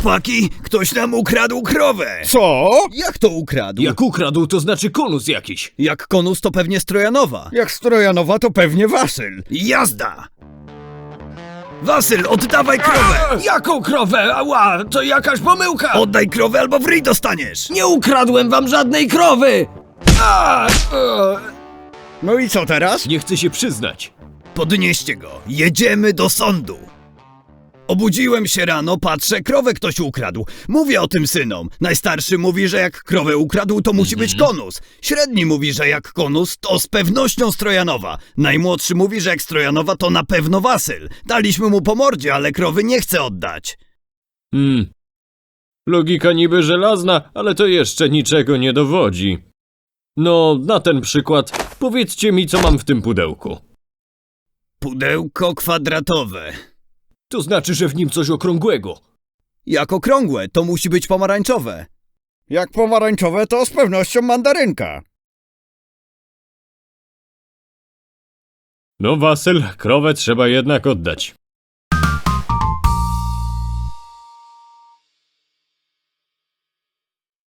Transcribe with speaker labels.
Speaker 1: Chłopaki, ktoś nam ukradł krowę!
Speaker 2: Co?
Speaker 1: Jak to ukradł?
Speaker 3: Jak ukradł, to znaczy konus jakiś.
Speaker 1: Jak konus to pewnie Strojanowa.
Speaker 2: Jak Strojanowa, to pewnie Wasyl.
Speaker 1: Jazda! Wasyl, oddawaj krowę!
Speaker 3: Jaką krowę? Ała, to jakaś pomyłka!
Speaker 1: Oddaj krowę albo w ryj dostaniesz!
Speaker 3: Nie ukradłem wam żadnej krowy!
Speaker 2: No i co teraz?
Speaker 3: Nie chcę się przyznać.
Speaker 1: Podnieście go, jedziemy do sądu. Obudziłem się rano, patrzę, krowę ktoś ukradł. Mówię o tym synom. Najstarszy mówi, że jak krowę ukradł, to musi być konus. Średni mówi, że jak konus, to z pewnością Strojanowa. Najmłodszy mówi, że jak Strojanowa, to na pewno Wasyl. Daliśmy mu po mordzie, ale krowy nie chce oddać.
Speaker 3: Logika niby żelazna, ale to jeszcze niczego nie dowodzi. No, na ten przykład, powiedzcie mi, co mam w tym pudełku.
Speaker 1: Pudełko kwadratowe.
Speaker 3: To znaczy, że w nim coś okrągłego.
Speaker 1: Jak okrągłe, to musi być pomarańczowe.
Speaker 2: Jak pomarańczowe, to z pewnością mandarynka.
Speaker 3: No, Wasyl, krowę trzeba jednak oddać.